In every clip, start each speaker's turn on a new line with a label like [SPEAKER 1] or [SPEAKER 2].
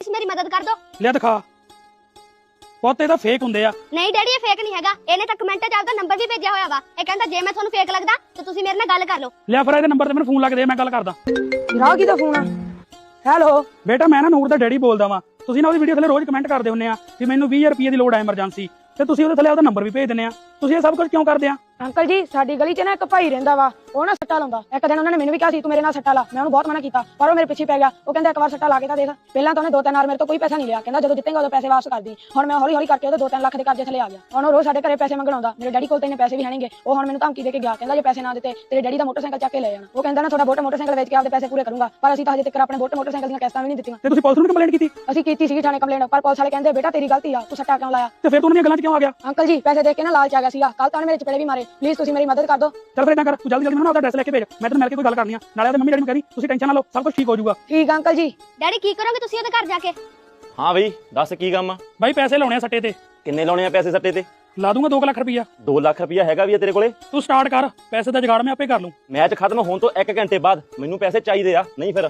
[SPEAKER 1] ਮੇਰੀ ਮਦਦ ਕਰ ਦੋ।
[SPEAKER 2] ਲੈ ਦਿਖਾ। ਪੁੱਤ ਇਹਦਾ ਫੇਕ ਹੁੰਦੇ ਆ।
[SPEAKER 1] ਨਹੀਂ ਡੈਡੀ ਇਹ ਫੇਕ ਨਹੀਂ ਹੈਗਾ, ਇਹਨੇ ਤਾਂ ਕਮੈਂਟ 'ਚ ਆਪਦਾ ਨੰਬਰ ਵੀ ਭੇਜਿਆ ਹੋਇਆ ਵਾ। ਇਹ ਕਹਿੰਦਾ ਜੇ ਮੈਂ ਤੁਹਾਨੂੰ ਫੇਕ ਲੱਗਦਾ ਤੇ ਤੁਸੀਂ ਮੇਰੇ ਨਾਲ ਗੱਲ ਕਰ ਲਓ।
[SPEAKER 2] ਲਿਆ ਫਿਰ ਇਹਦੇ ਨੰਬਰ ਤੇ ਮੈਨੂੰ ਫੋਨ ਲਾ ਕੇ ਦੇ, ਮੈਂ ਗੱਲ ਕਰਦਾ।
[SPEAKER 3] ਰਾਹ ਕਿਹਦਾ ਫੋਨ ਆ? ਹੈਲੋ
[SPEAKER 2] ਬੇਟਾ ਮੈਂ ਨਾ ਨੂਰ ਦਾ ਡੈਡੀ ਬੋਲਦਾ ਵਾਂ। ਤੁਸੀਂ ਨਾ ਉਹਦੀ ਵੀਡੀਓ ਥੱਲੇ ਰੋਜ਼ ਕਮੈਂਟ ਕਰਦੇ ਹੁੰਦੇ ਆ ਕਿ ਮੈਨੂੰ 20,000 ਰੁਪਏ ਦੀ ਲੋੜ ਆ ਐਮਰਜੈਂਸੀ, ਤੇ ਤੁਸੀਂ ਉਹਦੇ ਥੱਲੇ ਉਹਦਾ ਨੰਬਰ ਵੀ ਭੇਜ ਦਿੰਦੇ ਆ। ਤੁਸੀਂ ਇਹ ਸਭ ਕੁਝ ਕਿਉਂ ਕਰਦੇ ਆ?
[SPEAKER 3] ਅੰਕਲ ਜੀ ਸਾਡੀ ਗਲੀ 'ਚ ਨਾ ਇੱਕ ਭਾਈ ਰਹਿੰਦਾ ਵਾ, ਉਹ ਨਾ ਸੱਟਾ ਲਾਉਂਦਾ। ਇੱਕ ਦਿਨ ਉਹਨਾਂ ਨੇ ਮੈਨੂੰ ਵੀ ਕਿਹਾ ਸੀ ਤੂੰ ਮੇਰੇ ਨਾਲ ਸੱਟਾ ਲਾ, ਮੈਂ ਉਹਨੂੰ ਬਹੁਤ ਮਨਾ ਕੀਤਾ ਪਰ ਉਹ ਮੇਰੇ ਪਿੱਛੇ ਪੈ ਗਿਆ। ਉਹ ਕਹਿੰਦਾ ਇੱਕ ਵਾਰ ਸੱਟਾ ਲਾ ਕੇ ਤਾਂ ਦੇਖ। ਪਹਿਲਾਂ ਤਾਂ ਉਹਨੇ 2-3 ਵਾਰ ਮੇਰੇ ਤੋਂ ਕੋਈ ਪੈਸਾ ਨਹੀਂ ਲਿਆ, ਕਹਿੰਦਾ ਜਦੋਂ ਜਿੱਤੇਗਾ ਉਦੋਂ ਪੈਸੇ ਵਾਪਸ ਕਰ ਦੀ। ਹੁਣ ਮੈਂ ਹੌਲੀ ਹੌਲੀ ਕਰਕੇ ਉਹਦੇ 2-3 ਲੱਖ ਦੇ ਕਰਜ਼ੇ ਥੱਲੇ ਆ ਗਿਆ। ਹੁਣ ਉਹ ਰੋਜ਼ ਸਾਡੇ ਘਰੇ ਪੈਸੇ ਮੰਗਣ ਆਉਂਦਾ। ਮੇਰੇ ਡੈਡੀ ਕੋਲ ਤਾਂ ਇੰਨੇ ਪੈਸੇ ਵੀ ਹੈਣਗੇ। ਉਹ ਹੁਣ ਮੈਨੂੰ ਧਮਕੀ ਦੇ ਕੇ ਗਿਆ, ਕਹਿੰਦਾ ਜੇ ਪੈਸੇ ਨਾ ਦਿੱਤੇ ਤੇਰੇ ਡੈਡੀ ਦਾ ਮੋਟਰਸਾਈਕਲ ਚੱਕ ਕੇ ਲੈ ਜਾਣਾ। ਉਹ ਕਹਿੰਦਾ ਨਾ ਤੁਹਾਡਾ ਮੋਟਰਸਾਈਕਲ ਵੇਚ ਕੇ ਆਪਦੇ ਪੈਸੇ ਪੂਰੇ ਕਰੂੰਗਾ, ਪਰ ਅਸੀਂ ਤਾਂ ਹਜੇ ਤੱਕ ਆਪਣੇ ਮੋਟਰਸਾਈਕਲ ਦੀਆਂ ਕਿਸ਼ਤਾਂ ਵੀ ਨਹੀਂ ਦਿੱਤੀਆਂ।
[SPEAKER 2] ਤੇ ਤੁਸੀਂ ਪੁਲਿਸ ਨੂੰ ਕੰਪਲੇਂਟ ਕੀਤੀ?
[SPEAKER 3] ਅਸੀਂ ਕੀਤੀ ਸੀ ਥਾਣੇ ਕੰਪਲੇਂਟ, ਪਰ ਪੁਲਿਸ ਵਾਲੇ ਕਹਿੰਦੇ ਬੇਟਾ ਤੇਰੀ ਗਲਤੀ ਆ, ਤੂੰ ਸੱਟਾ ਕਿਉਂ ਲਾਇਆ?
[SPEAKER 2] ਤੇ ਫਿਰ ਤੂੰ ਉਹਨਾਂ ਦੀਆਂ ਗੱਲਾਂ 'ਚ ਕਿਉਂ ਆ ਗਿਆ?
[SPEAKER 3] ਅੰਕਲ ਜੀ ਪੈਸੇ ਦੇਖ ਕੇ ਨਾ ਲਾਲਚ ਆ ਗਿਆ ਸੀਗਾ। ਕੱਲ ਤਾਂ ਉਹਨੇ ਮੇਰੇ ਚਪੇੜੇ ਵੀ ਮਾਰੇ। ਪਲੀਜ਼ ਤੁਸੀਂ ਮੇਰੀ ਮਦਦ ਕਰ ਦਿਓ।
[SPEAKER 2] ਚੱਲ ਫਿਰ ਇਦਾਂ ਕਰ, ਤੂੰ ਜਲਦੀ ਮੈਨੂੰ ਆਪਦਾ ਐਡਰੈਸ ਲੈ ਕੇ ਭੇਜ, ਮੈਂ ਤੈਨੂੰ ਮਿਲ ਕੇ ਕੋਈ ਗੱਲ ਕਰਨੀ ਆ। ਨਾਲੇ ਉਹਦੇ ਮੰਮੀ ਡੈਡੀ ਨੂੰ ਕਹਿ ਦੀ ਤੁਸੀਂ ਟੈਨਸ਼ਨ ਨਾ ਲਓ, ਸਭ ਕੁਝ ਠੀਕ ਹੋ ਜਾਊਗਾ।
[SPEAKER 3] ਠੀਕ ਆ ਅੰਕਲ ਜੀ।
[SPEAKER 1] ਡੈਡੀ ਕੀ ਕਰੋਗੇ ਤੁਸੀਂ ਉਹਦੇ ਘਰ ਜਾ ਕੇ?
[SPEAKER 4] ਹਾਂ ਬਈ ਦੱਸ ਕੀ ਕੰਮ ਆ?
[SPEAKER 2] ਬਾਈ ਪੈਸੇ ਲਾਉਣੇ ਆ ਸੱਟੇ ਤੇ।
[SPEAKER 4] ਕਿੰਨੇ ਲਾਉਣੇ ਆ ਪੈਸੇ ਸੱਟੇ ਤੇ?
[SPEAKER 2] ਲਾ ਦੂੰਗਾ 2 ਲੱਖ ਰੁਪਈਆ।
[SPEAKER 4] 2 ਲੱਖ ਰੁਪਇਆ ਹੈਗਾ ਵੀ ਆ ਤੇਰੇ ਕੋਲੇ?
[SPEAKER 2] ਤੂੰ ਸਟਾਰਟ ਕਰ, ਪੈਸੇ ਦਾ ਜੁਗਾੜ ਮੈਂ ਆਪੇ ਕਰ ਲੂੰ।
[SPEAKER 4] ਮੈਚ ਖਤਮ ਹੋਣ ਤੋਂ 1 ਘੰਟੇ ਬਾਅਦ ਮੈਨੂੰ ਪੈਸੇ ਚਾਹੀਦੇ ਆ, ਨਹੀਂ ਫਿਰ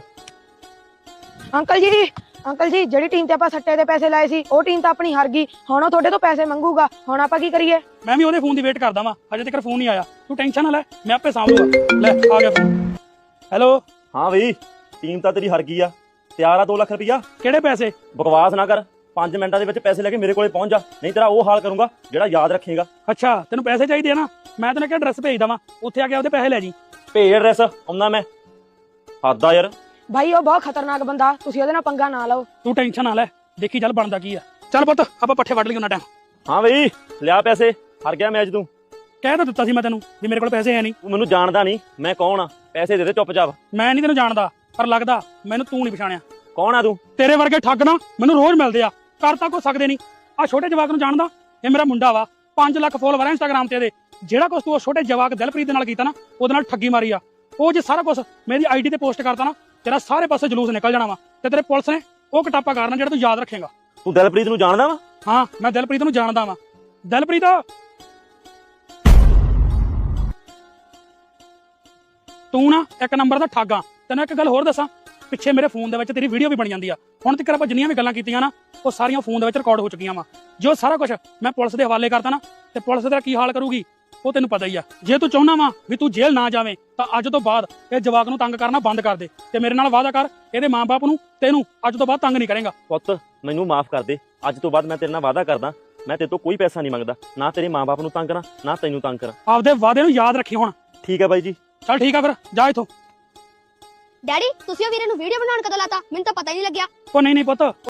[SPEAKER 3] ਅੰਕਲ ਜੀ ਜਿਹੜੀ ਟੀਮ ਤੇ ਆਪਾਂ ਸੱਟੇ ਦੇ ਪੈਸੇ ਲਾਏ ਸੀ ਉਹ ਟੀਮ ਤਾਂ ਆਪਣੀ ਹਾਰ ਗਈ। ਹੁਣ ਉਹ ਤੁਹਾਡੇ ਤੋਂ ਪੈਸੇ ਮੰਗੂਗਾ, ਹੁਣ ਆਪਾਂ ਕੀ ਕਰੀਏ?
[SPEAKER 2] ਮੈਂ ਵੀ ਉਹਦੇ ਫੋਨ ਦੀ ਵੇਟ ਕਰਦਾ ਵਾਂ, ਹਜੇ ਤੱਕ ਫੋਨ ਨਹੀਂ ਆਇਆ। ਤੂੰ ਟੈਨਸ਼ਨ ਨਾ ਲੈ, ਮੈਂ ਆਪੇ ਸਾਂਭ ਲੂੰਗਾ। ਲੈ ਆ ਗਿਆ ਫੋਨ। ਹੈਲੋ
[SPEAKER 4] ਹਾਂ ਬਈ ਟੀਮ ਤਾਂ ਤੇਰੀ ਹਾਰ ਗਈ ਆ। ਤਿਆਰ ਆ 2 ਲੱਖ ਰੁਪਇਆ?
[SPEAKER 2] ਕਿਹੜੇ ਪੈਸੇ?
[SPEAKER 4] ਬਕਵਾਸ ਨਾ ਕਰ, 5 ਮਿੰਟਾਂ ਦੇ ਵਿੱਚ ਪੈਸੇ ਲੈ ਕੇ ਮੇਰੇ ਕੋਲੇ ਪਹੁੰਚ ਜਾ, ਨਹੀਂ ਤੇਰਾ ਉਹ ਹਾਲ ਕਰੂੰਗਾ ਜਿਹੜਾ ਯਾਦ ਰੱਖੇਗਾ।
[SPEAKER 2] ਅੱਛਾ ਤੈਨੂੰ ਪੈਸੇ ਚਾਹੀਦੇ ਆ ਨਾ, ਮੈਂ ਤੈਨੂੰ ਕਿਹਾ ਐਡਰੈਸ ਭੇਜ ਦਵਾਂ, ਉੱਥੇ ਆ ਕੇ ਉਹਦੇ ਪੈਸੇ ਲੈ ਜੀ।
[SPEAKER 4] ਭੇਜ ਐਡਰੈਸ, ਆਉਂਦਾ ਮੈਂ। ਹੱਦ ਆ ਯਾਰ।
[SPEAKER 3] ਭਾਈ ਉਹ ਬਹੁਤ ਖਤਰਨਾਕ ਬੰਦਾ, ਤੁਸੀਂ ਉਹਦੇ ਨਾਲ ਪੰਗਾ ਨਾ ਲਓ।
[SPEAKER 2] ਤੂੰ ਟੈਨਸ਼ਨ ਨਾ ਲੈ, ਦੇਖੀ ਚੱਲ ਬਣਦਾ ਕੀ ਆ। ਚੱਲ ਪੁੱਤ ਆਪਾਂ ਪੱਠੇ ਵੱਢ ਲਈ ਉਹਨਾਂ ਟਾਈਮ।
[SPEAKER 4] ਹਾਂ ਬਈ ਲਿਆ ਪੈਸੇ, ਹਾਰ ਗਿਆ ਮੈਚ ਤੂੰ।
[SPEAKER 2] ਕਹਿ ਤਾਂ ਦਿੱਤਾ ਸੀ ਮੈਂ ਤੈਨੂੰ ਵੀ ਮੇਰੇ ਕੋਲ ਪੈਸੇ ਹੈ ਨਹੀਂ।
[SPEAKER 4] ਤੂੰ ਮੈਨੂੰ ਜਾਣਦਾ ਨਹੀਂ, ਮੈਂ ਕੌਣ ਆ? ਪੈਸੇ ਦੇ ਦੇ ਚੁੱਪਚਾਪ।
[SPEAKER 2] ਮੈਂ ਨਹੀਂ ਤੈਨੂੰ ਜਾਣਦਾ, ਪਰ ਲੱਗਦਾ ਮੈਨੂੰ ਤੂੰ ਨਹੀਂ ਪਛਾਣਿਆ।
[SPEAKER 4] ਕੌਣ ਆ ਤੂੰ?
[SPEAKER 2] ਤੇਰੇ ਵਰਗੇ ਠੱਗ ਨਾ ਮੈਨੂੰ ਰੋਜ਼ ਮਿਲਦੇ ਆ, ਕਰ ਤਾਂ ਕੋ ਸਕਦੇ ਨਹੀਂ। ਆ ਛੋਟੇ ਜਵਾਕ ਨੂੰ ਜਾਣਦਾ, ਇਹ ਮੇਰਾ ਮੁੰਡਾ ਵਾ, 5 ਲੱਖ ਫੋਲੋਵਰ ਆ ਇੰਸਟਾਗ੍ਰਾਮ ਤੇ ਇਹਦੇ। ਜਿਹੜਾ ਕੁਛ ਤੂੰ ਉਹ ਛੋਟੇ ਜਵਾਕ ਦਿਲਪ੍ਰੀਤ ਦੇ ਨਾਲ ਕੀਤਾ ਨਾ, ਉਹਦੇ ਨਾਲ ਠੱਗੀ ਮਾਰੀ ਆ। ਉਹ ਜੇ ਸਾਰਾ ਕੁਝ ਮੇਰੀ ਆਈਡੀ ਤੇ ਪੋਸਟ ਕਰਤਾ ਨਾ, ਤੇਰਾ ਸਾਰੇ ਪਾਸੇ ਜਲੂਸ ਨਿਕਲ ਜਾਣਾ ਵਾ। ਤੇ ਤੇਰੇ ਪੁਲਿਸ ਨੇ ਉਹ ਕਟਾਪਾ ਕਰਨਾ ਜਿਹੜਾ ਤੂੰ ਯਾਦ ਰੱਖੇਗਾ।
[SPEAKER 4] ਤੂੰ ਦਿਲਪ੍ਰੀਤ ਨੂੰ ਜਾਣਦਾ ਵਾ?
[SPEAKER 2] ਹਾਂ ਮੈਂ ਦਿਲਪ੍ਰੀਤ ਨੂੰ ਜਾਣਦਾ ਵਾਂ। ਦਿਲਪ੍ਰੀਤ ਤੂੰ ਨਾ 1 ਨੰਬਰ ਦਾ ਠੱਗ ਆ। ਤੈਨੂੰ ਇੱਕ ਗੱਲ ਹੋਰ ਦੱਸਾਂ, ਪਿੱਛੇ ਮੇਰੇ ਫੋਨ ਦੇ ਵਿੱਚ ਤੇਰੀ ਵੀਡੀਓ ਵੀ ਬਣ ਜਾਂਦੀ ਆ। ਹੁਣ ਤੱਕ ਆਪਾਂ ਜਿੰਨੀਆਂ ਵੀ ਗੱਲਾਂ ਕੀਤੀਆਂ ਨਾ, ਉਹ ਸਾਰੀਆਂ ਫੋਨ ਦੇ ਵਿੱਚ ਰਿਕਾਰਡ ਹੋ ਚੁੱਕੀਆਂ ਵਾ। ਜੋ ਸਾਰਾ ਕੁਝ ਮੈਂ ਪੁਲਿਸ ਦੇ ਹਵਾਲੇ ਕਰਤਾ ਨਾ, ਤੇ ਪੁਲਿਸ ਤੇਰਾ ਕੀ ਹਾਲ ਕਰੂਗੀ ਉਹ ਤੈਨੂੰ ਪਤਾ ਹੀ ਆ। ਜੇ ਤੂੰ ਚਾਹੁੰਦਾ ਵਾ ਵੀ ਤੂੰ ਜੇਲ੍ਹ ਨਾ ਜਾਵੇਂ, ਤਾਂ ਅੱਜ ਤੋਂ ਬਾਅਦ ਇਹ ਜਵਾਕ ਨੂੰ ਤੰਗ ਕਰਨਾ ਬੰਦ ਕਰ ਦੇ, ਤੇ ਮੇਰੇ ਨਾਲ ਵਾਅਦਾ ਕਰ ਇਹਦੇ ਮਾਂ-ਬਾਪ ਨੂੰ ਤੈਨੂੰ ਅੱਜ ਤੋਂ ਬਾਅਦ ਤੰਗ ਨਹੀਂ ਕਰੇਗਾ।
[SPEAKER 4] ਪੁੱਤ ਮੈਨੂੰ ਮਾਫ ਕਰ ਦੇ, ਅੱਜ ਤੋਂ ਬਾਅਦ ਮੈਂ ਤੇਰੇ ਨਾਲ ਵਾਅਦਾ ਕਰਦਾ, ਮੈਂ ਤੇਰੇ ਤੋਂ ਕੋਈ ਪੈਸਾ ਨਹੀਂ ਮੰਗਦਾ, ਨਾ ਤੇਰੇ ਮਾਂ-ਬਾਪ ਨੂੰ ਤੰਗ ਕਰਾਂ, ਨਾ ਤੈਨੂੰ ਤੰਗ ਕਰਾਂ।
[SPEAKER 2] ਆਪਦੇ ਵਾਅਦੇ ਨੂੰ ਯਾਦ ਰੱਖੀ ਹੁਣ।
[SPEAKER 4] ਠੀਕ ਹੈ ਬਾਈ ਜੀ।
[SPEAKER 2] ਚੱਲ ਠੀਕ ਆ ਫਿਰ, ਜਾ ਇੱਥੋਂ।
[SPEAKER 1] ਡੈਡੀ ਤੁਸੀਂ ਉਹ ਵੀਰੇ ਨੂੰ ਵੀਡੀਓ ਬਣਾਉਣ ਕਦੋਂ ਲਾਤਾ? ਮੈਨੂੰ ਤਾਂ ਪਤਾ ਹੀ ਨਹੀਂ ਲੱਗਿਆ।
[SPEAKER 2] ਉਹ ਨਹੀਂ ਪੁੱਤ,